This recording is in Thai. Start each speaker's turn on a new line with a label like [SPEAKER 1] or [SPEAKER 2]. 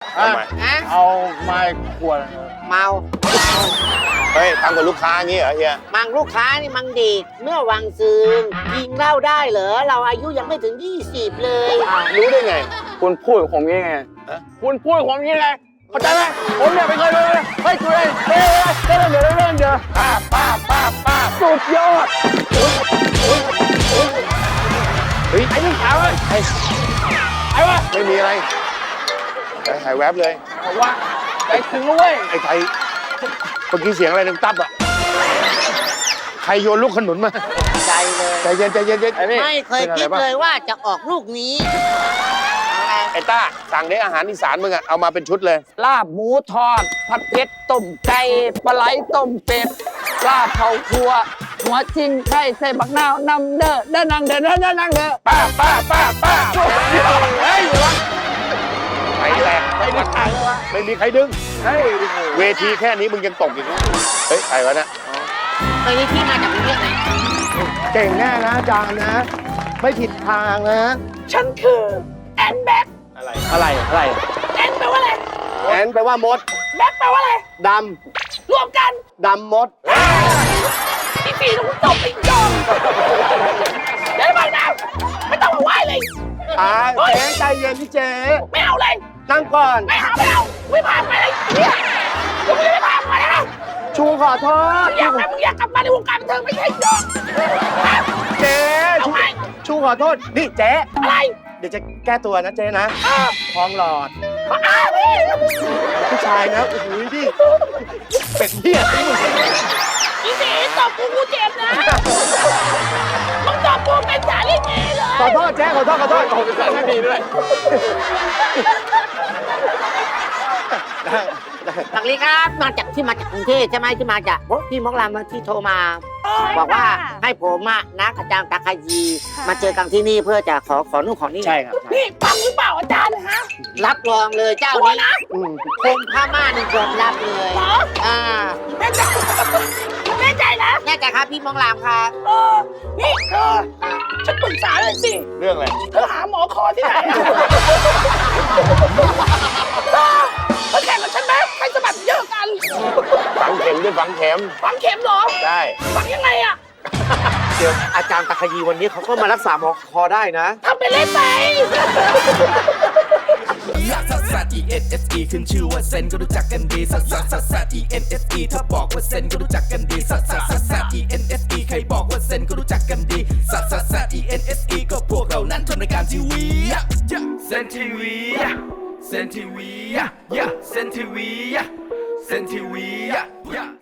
[SPEAKER 1] ทำไม
[SPEAKER 2] เอาไม้ขวด
[SPEAKER 3] เมา
[SPEAKER 1] เฮ้ยทำกับลูกค้างี้เหรอเฮีย
[SPEAKER 3] มังลูกค้านี่มังดีดเมื่อวังซืนยิงเหล้าได้เหรอเราอายุยังไม่ถึง 20 เลย
[SPEAKER 1] รู้ได้ไง
[SPEAKER 2] คุณพูดกับผมยังไง
[SPEAKER 1] ฮะ
[SPEAKER 2] คุณพูดกับผมยังไงเข้าใจไหมผมเนี่ยไม่เคยเลยเฮ้ยตัวเองเดี๋ยว
[SPEAKER 1] ป้าบ
[SPEAKER 2] สุดยอด
[SPEAKER 1] เฮ้ย
[SPEAKER 2] ไอ้นี่ขาวไอ้วะ
[SPEAKER 1] ไม่มีอะไรใจหายแวบเลย
[SPEAKER 2] ผมว่าใจถึงแล้วเว้ย
[SPEAKER 1] ไอ้ไทยเมื่อกี้เสียงอะไรดังตับอ่ะใครโยนลูกขนุนมา
[SPEAKER 3] ใจเลย
[SPEAKER 1] ใจเย็น
[SPEAKER 2] ไอ้นี่
[SPEAKER 3] ไม่เคยคิดเลยว่าจะออกลูกนี้เอาไง
[SPEAKER 1] ไอ้ต้าสั่งได้อาหารอีสานมึงอ่ะเอามาเป็นชุดเลย
[SPEAKER 2] ลาบหมูทอด ผัดเผ็ดต้มไก่ปลาไหลต้มเป็ดลาบเผาคั่วหัวชิงไก่ใส่บักนาวนำเด้อนั่งเด้อนั่งเด้อ
[SPEAKER 1] ป้าเฮ้ยวะไอ้แหลก
[SPEAKER 2] ไอ้นี่ขายเลยวะ
[SPEAKER 1] ไม่มีใครดึง
[SPEAKER 2] เฮ้ย
[SPEAKER 1] เวทีแค่นี้มึงยังตกอีกนะเฮ้ยใครวะนะ
[SPEAKER 3] เคยนี่ที่มาจากกรุงเทพไหน
[SPEAKER 2] เก่งแน่นะอาจารย์นะ ไม่ผิดทางนะ
[SPEAKER 4] ฉันคือแอนแบ็ค
[SPEAKER 1] อะไร
[SPEAKER 2] อะไร
[SPEAKER 4] แอนแปลว่าอะไร
[SPEAKER 2] แอนแปลว่ามด
[SPEAKER 4] แบ็คแปลว่าอะไร
[SPEAKER 2] ด
[SPEAKER 4] รวมกัน
[SPEAKER 2] ำ ดำมด
[SPEAKER 4] พี่ปีต้องตบไปจองเดี๋ยวบางนะไม่ต้องมาไหว้เลย
[SPEAKER 2] เจ๊ใจเย็นพี่เจ๊
[SPEAKER 4] ไม่เอาเลย
[SPEAKER 2] นั่งก่อน
[SPEAKER 4] ไม่เอาไม่พาไปเลยเนี่ยมึงไม่พาไปนะ
[SPEAKER 2] ชูขอโทษ
[SPEAKER 4] มึงอยากกลับมาในวงการบันเทิงไม่ใช่หรอก
[SPEAKER 2] เจ๊
[SPEAKER 4] เอาไง
[SPEAKER 2] ชูขอโทษ นี่เจ๊
[SPEAKER 4] อะไร
[SPEAKER 2] เดี๋ยวจะแก้ตัวนะเจ๊นะทองหลอด
[SPEAKER 4] พี่
[SPEAKER 2] ผู้ชายนะโอ้โหดิเป็ดเหี้ยที่มึง
[SPEAKER 4] พี่สีตบกูเจ็บนะมึงตบกูเป็นสาลีเกเลย
[SPEAKER 2] ขอโทษเจ๊ขอโทษโอ้โหเป็นสารไม่ดีด้วย
[SPEAKER 3] สวัสดีครับมาจากกรุงเทพใช่ไหมที่มาจากพี่มกรามที่โทรมา บอกว่าให้ผมอะนักอาจารย์ตาคายีมาเจอกันที่นี่เพื่อจะขอนู่นขอนี่
[SPEAKER 2] ใช่ครับ
[SPEAKER 4] นี่ฟังหรือเปล่าอาจารย์นะฮะ
[SPEAKER 3] รับรองเลยเจ้า
[SPEAKER 4] ตัว
[SPEAKER 3] นี้
[SPEAKER 4] นะ
[SPEAKER 3] คงผ้าม่านนี่ยอมรับเลย
[SPEAKER 4] เหรอ
[SPEAKER 3] อ่า
[SPEAKER 4] แน่ใจแน่ใจนะ
[SPEAKER 3] แน่ใจครับพี่มกรามครับ
[SPEAKER 4] นี่ฉันปรึกษาเลยสิ
[SPEAKER 1] เรื่องอะไร
[SPEAKER 4] เธอหาหมอคอที่ไหนอะเธอแข่งกับฉันไหมใครจะแบบเยอะกัน
[SPEAKER 1] ฝังเข็มด้วยฝังเข็ม
[SPEAKER 4] ฝังเข็มเหรอ
[SPEAKER 1] ได้
[SPEAKER 4] ฝังยังไงอะ
[SPEAKER 5] เดี๋ยวอาจารย์ตะคยีวันนี้เขาก็มารักษาหมอคอได้นะ
[SPEAKER 4] ทำไปเล่นไป
[SPEAKER 6] ลักซัสซัส E N S E ขึ้นชื่อว่าเซนก็รู้จักกันดีซัสซัสซัสซัส E N S E ถ้าบอกว่าเซนก็รู้จักกันดีซัสซัสซัสซัส E N S E ใครบอกว่าเซนก็รู้จักกันดีซัสซัสซัส E N S E ก็พวกเรานั้นทำรายการทีวีเซนทีวีเซนทีวีเซนทีวีเซนทีวี